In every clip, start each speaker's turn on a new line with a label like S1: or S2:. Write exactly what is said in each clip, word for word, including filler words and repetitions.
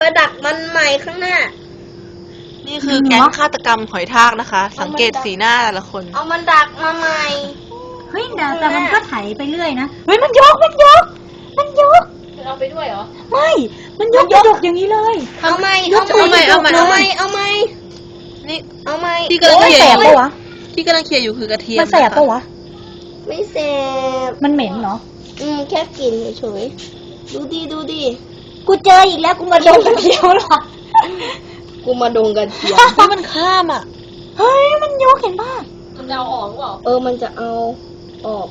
S1: ไปดักมันใหม่ข้างหน้า
S2: นี่คือแก๊งฆาตกรรมหอยทากนะคะ สังเกตสีหน้าแต่ละคน
S1: เอามันดักมาใหม่
S3: เฮ้ยแต่แต่มันก็ไถไปเรื่อยนะเฮ้ยมันยกมันยกมันยก
S4: เอาไปด้วยเหรอ
S3: ไม่มันยกยกอย่างนี้เลย
S1: เอาใหม่เอาใหม่เอาใหม่เอาใหม่เอาใหม่
S2: นี่
S1: เอาใหม่
S2: ที่กำลังเคี่ยว
S3: ปะวะ
S2: ที่กำลังเคี่ยวอยู่คือกระเทียม
S3: มันแสบปะวะ
S1: ไม่แสบ
S3: มันเหม็นเหรอ
S1: อืมแค่กลิ่นเฉยๆดูดิดูดิ
S3: กูเจออีกแล้วกูมาดมกระเทียมหรอ
S1: กูมาดงกระเทียม
S2: เพราะมันข้ามอ่ะ
S3: เฮ้ยมันยกเห็นป่ะ
S4: มันจะเอาออกหรือเปล่า
S1: เออมันจะเอาออก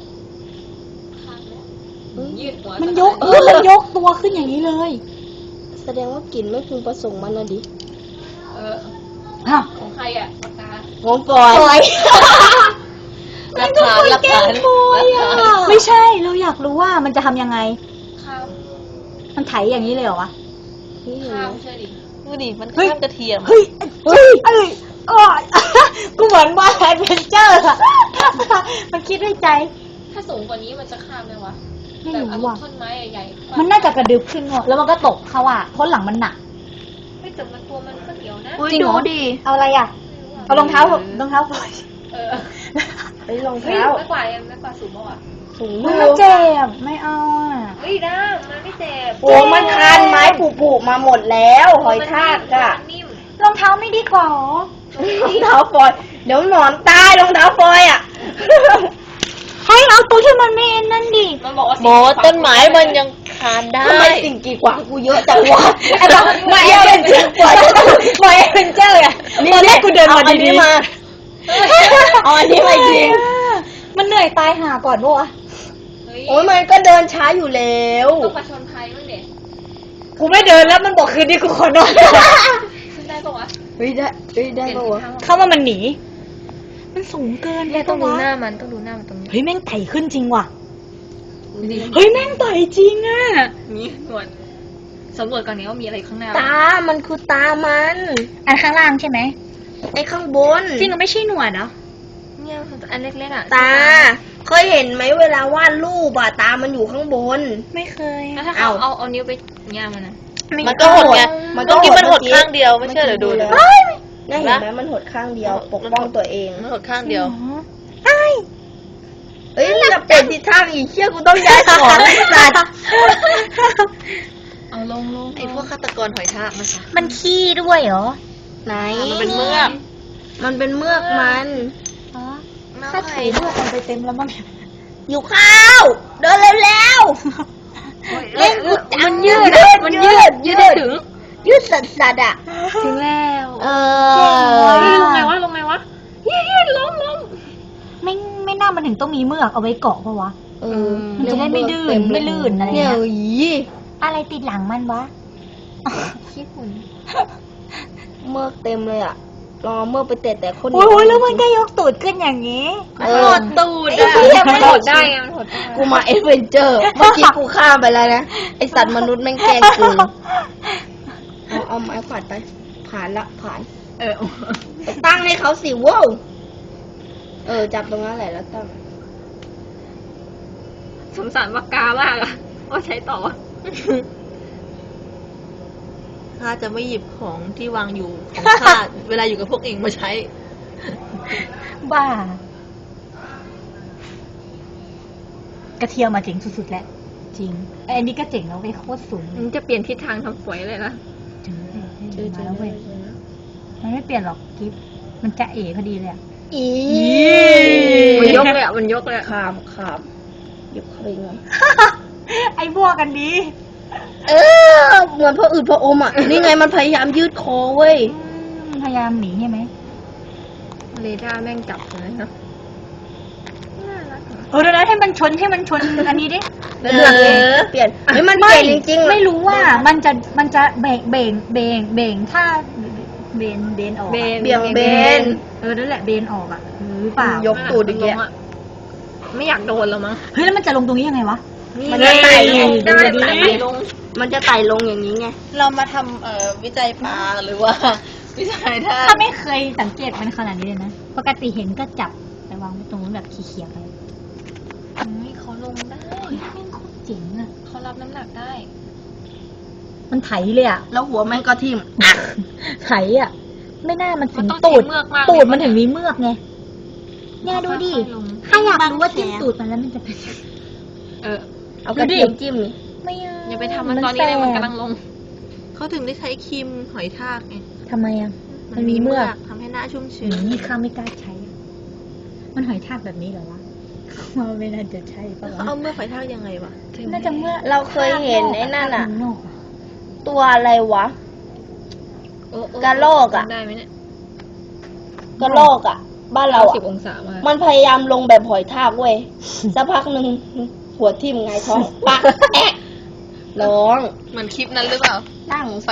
S4: ยืดหัว
S3: มันยกเออมันยกตัวขึ้นอย่างนี้เลย
S1: แสดงว่ากลิ่นไม่พึงประสงค์มันนะดิ
S4: เออ
S3: ฮะ
S4: ของใครอ่ะปากกา
S1: ของปอย
S2: หลักฐานหลักฐาน
S3: ไม่ใช่เราอยากรู้ว่ามันจะทำยังไง
S4: ข้าว
S3: มันไถอย่างนี้เลยเหรอวะ
S4: ข้าวใช่ดิ
S2: ดูดิมันข้ามกระเทียม
S3: เฮ้ยเฮ้ยเอ้ยอ๋อกูเหมือนว่าแอดเวนเจอร์อะมันคิดด้วยใจ
S4: ถ้าสูงกว่านี้มันจะข้ามไหมวะ
S3: ไม่รู้ว่ะ
S4: ต้นไม้ใหญ่
S3: ๆมันน่าจะกระดึบขึ้นแล้วมันก็ตกเขาอ่ะเพราะหลังมันหนัก
S4: ไม่แต่มันตัวมันก็เดียวนะ
S3: จริงเหรอเอาอะไรอ่ะเอารองเท้ารองเท้าปล่อย
S4: เออ
S1: ไอ้รองเท้า
S4: ไม่กว่าไม่กว่าสูงป่ะ
S1: สูง
S3: มันเจ็บไม่เอาอ่ะ
S4: เฮ้ยได้มันไม่เจ็บ
S1: โอ้มันคานไม้ผุๆมาหมดแล้วหอยทากอะ
S3: รองเท้าไม่ดีกว่าร
S1: องเท้าฟอยเดี๋ยวหนอนตายรองเท้าฟอยอ่ะ
S3: ให้เอาตัวที่มันไม่เอ็นนั่นดิ
S4: มันบอกว่า
S2: โบต้นไม้มันยังคานได้
S1: ทำไมสิ่งกีดขวางกูเยอะจังวะ
S3: ไอ้บอกมาเอ็นเป็นเจอร์กว่ามาเอ็นเป็นเจอร์อะตอนแรกกูเดินมาดีๆมา
S1: เอาอันนี้มาจริง
S3: มันเหนื่อยตายหาก่อนปะวะ
S1: โอ้ยมันก็เดินช้าอยู่แล้ว
S4: ต้องประชนภัยมั้งเด็ก
S3: กูไม่เดินแล้วมันบอกคืนนี้กูขอนอน
S4: ขึ้นได้ปะวะ
S1: เฮ้ยได้เฮ้ยได้ปะวะ
S3: เข้ามามันหนีมันสูงเกิน
S4: เลยต้องดูหน้ามันต้องดูหน้ามันตรงนี้
S3: เฮ้ยแม่งไต่ขึ้นจริงว่ะเฮ้ยแม่งไต่จริงอ่ะ
S4: นี่หนวดสำรวจก่อนนี้ว่ามีอะไรข้างหน้า
S1: ตามันคือตามัน
S3: อันข้างล่างใช่ไหม
S1: ไอ้ข้างบน
S3: จริงก็ไม่ใช่หนวดเหรอ
S4: เนี่ยอันเล็กๆอ่ะ
S1: ตาเคยเห็นไหมเวลาวาดรูปอะตามันอยู่ข้างบน
S3: ไม่เคย
S4: แล้วถ้าเอาเอาเอานิ้วไปย่ามันนะ
S2: มันก็หดไงมันก็กินมันหดข้างเดียวไม่เชื่อเดี๋ยวดูเลย
S1: นี่เห็นไหมมันหดข้างเดียวปกป้องตัวเอง
S2: มันหดข้างเดียว
S1: ใช่เอ้ยจะเปลี่ยนทิศทางอีกเชี่ยกูต้องย้ายของไอ้สัตว์
S4: เอาลงลง
S2: ไอ้พวกฆาตกรหอยทากนะคะ
S3: มันขี้ด้วยเหรอ
S1: ไหน
S2: มันเป็นเมือก
S1: มันเป็นเมือกมัน
S3: ถ้าไถด้วยมันไปเต็มแล้วมั้ง
S1: อยู่ข้าวเดินเร็วๆเล่นกูจัง
S4: มันยืดมันยืดยืดได้ถึง
S1: ยืดสัตว์สัตว์อ่ะ
S3: ถึงแล้ว
S1: เอ
S4: อลงไงวะลงไงวะยืดยืดล้มล้ม
S3: ไม่ไม่น่ามันถึงต้องมีเมือกเอาไว้เกาะเพราะวะ
S1: เออ
S3: มันจะได้ไม่ดื้อไม่ลื่นอะไรเงี้ยอะไรติดหลังมันวะ
S4: ขี้ฝุ่น
S1: เมือกเต็มเลยอ่ะรอเมื่อไปเตะแต่คน
S3: โอ้ยแล้วมันก็ยกตูดขึ้นอย่างนี้
S4: หดตูดอ่ะมันหดได้ไงมันหดได้
S1: กูมาเอดเวนเจอร์เมื่อกี้กูข้ามไปแล้วนะไอสัตว์มนุษย์แม่งแกล้งกูเอาเอาไม้ขวาดไปผ่านละผ่าน
S4: เออ
S1: ตั้งให้เขาสิว้าวเออจับตรงนั้นแหละแล้วตั้ง
S4: สงสารปากกามากอ่ะว่าใช้ต่อ
S2: ข้าจะไม่หยิบของที่วางอยู่ของข้าเวลาอยู่กับพวกเองมาใช้
S3: บ้ากระเทียมมาเจ๋งสุดๆแหละจริงไอ้นี่ก็เจ๋งแล้วไปโคตรสูง
S4: มันจะเปลี่ยนทิศทางทำฝอยเลยนะ
S3: เจอเจอมาแล้วเว้ยมันไม่เปลี่ยนหรอกกิ๊บมันจะเอ๋พอดีเลยอ่ะ
S1: อี
S4: มันยกเลยอ่ะมันยกเลย
S1: ขามขามยกเข้าไปเลย
S3: ไอ้พวกกันดี
S1: เออเหมือนพออืดพออมอ่ะนี่ไงมันพยายามยืดคอเว้ย
S3: พยายามหนีใช่ไหม
S4: เรดาร์แม่งจับเลยนะ
S3: เออเดี๋ยวนะให้มันชนให้มันชนอันนี้ดิ
S1: เออเปลี่ยนเฮ้ยมันเปลี่ยนจริงๆ
S3: ไม่รู้ว่ามันจะมันจะเบงเบงเบงเบงถ้าเบนเบนออก
S1: เบี่ยงเบน
S3: เออนั่นแหละเบนออกอ่ะหรือเปล่าย
S1: กตูดอย่างเงี้ย
S4: ไม่อยากโดนแล้วมั้ง
S3: เฮ้ยแล้วมันจะลงตรงนี้ยังไงวะ
S1: มันจะไต่ได้ไต่ลงมันจะไต่ลงอย่างนี้ไง
S2: เรามาทำเอ่อวิจัยปลาหรือว่าวิจัยท่า
S3: ถ้าไม่เคยสังเกตมันขนาดนี้เลยนะปกติเห็นก็จับไปวางไว้ตรงนู้นแบบขี้เขียไป
S4: เขาลงได้
S3: แม่งโคตรเจ๋งอ่ะ
S4: เขารับน้ำหนักได้
S3: มันไถเลยอ่ะ
S1: แล้วหัวแม่งก็ทิ่ม
S3: ไถอ่ะ ไม่น่ามันถึ
S4: มัน
S3: ง
S4: ต้อง
S3: ตูด
S4: ใช้เมือกมากเลย
S3: ตูดมันถึงมีเมือกไงเนี่ยดูดิ
S4: ค่อยๆลง
S3: ถ้าอยากรู้ว่าจิ้มตูดมันแล้วมันจะเป็น
S4: เออ
S1: เอากระเทียมจิ้มนี่
S3: ไม่เอา
S4: อย่าไปทำมันตอนนี้เลยมันกำลังลง
S2: เขาถึงได้ใช้ครีมหอยทากไง
S3: ทำไมอ่ะ มันมีเมือก
S2: ทำให้หน้าชุ่ม
S3: อื
S2: ชื้น
S3: มนี่ข้าไม่กล้าใช้อะมันหอยทากแบบนี้เหรอวะว่าไม่น่าจะใช่ปะ
S2: เขา
S3: วะ
S2: เอาเมือกหอยทากยังไงวะ
S3: น่าจะเมื่อก
S1: เราเคยเห็นไอ้นั่นอะ
S3: ข้างก
S1: ตัวอะไรวะ
S4: โอ้โอ้
S1: กระโลกอะ
S4: ได้ไหมเนี่ย
S1: กระโลกอ่ะ บ้านเรา
S4: สิ
S1: อ่ะ
S4: บองศามาก
S1: มันพยายามลงแบบหอยทากเว้ย สักพักหนึ่งหัวทิ่มไงายท้องปะแอะร้อง
S2: เหมือนคลิปนั้นหรือเปล่า
S1: นั่ง